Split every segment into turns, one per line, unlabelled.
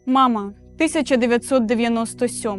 Мама, 1997.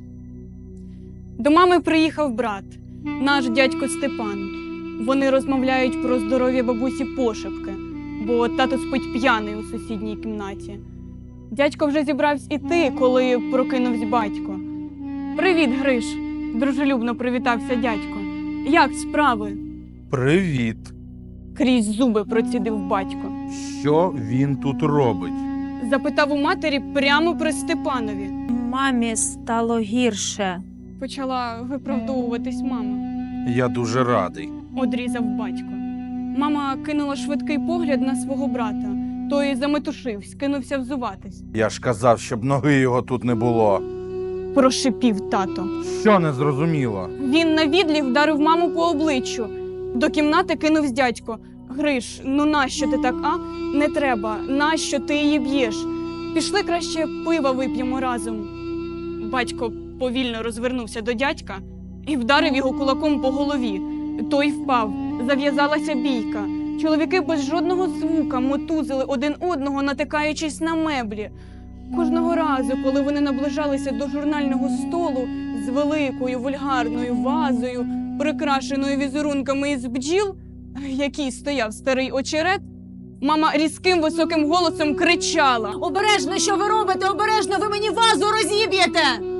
До мами приїхав брат, наш дядько Степан. Вони розмовляють про здоров'я бабусі пошепки, бо тато спить п'яний у сусідній кімнаті. Дядько вже зібрався іти, коли прокинувся батько. «Привіт, Гриш!» – дружелюбно привітався дядько. «Як справи?»
Привіт.
Крізь зуби процідив батько.
Що він тут робить?
Запитав у матері прямо при Степанові.
Мамі стало гірше.
Почала виправдовуватись мама.
Я дуже радий.
Одрізав батько. Мама кинула швидкий погляд на свого брата. Той заметушився, кинувся взуватись.
Я ж казав, щоб ноги його тут не було.
Прошипів тато.
Що не зрозуміло?
Він на відліг вдарив маму по обличчю. До кімнати кинувся дядько. «Гриш, ну нащо ти так, а? Не треба. Нащо ти її б'єш? Пішли краще пива вип'ємо разом». Батько повільно розвернувся до дядька і вдарив його кулаком по голові. Той впав. Зав'язалася бійка. Чоловіки без жодного звука мотузили один одного, натикаючись на меблі. Кожного разу, коли вони наближалися до журнального столу з великою вульгарною вазою, прикрашеною візерунками із бджіл, в якій стояв старий очерет, мама різким високим голосом кричала:
Обережно, що ви робите? Обережно, ви мені вазу розіб'єте!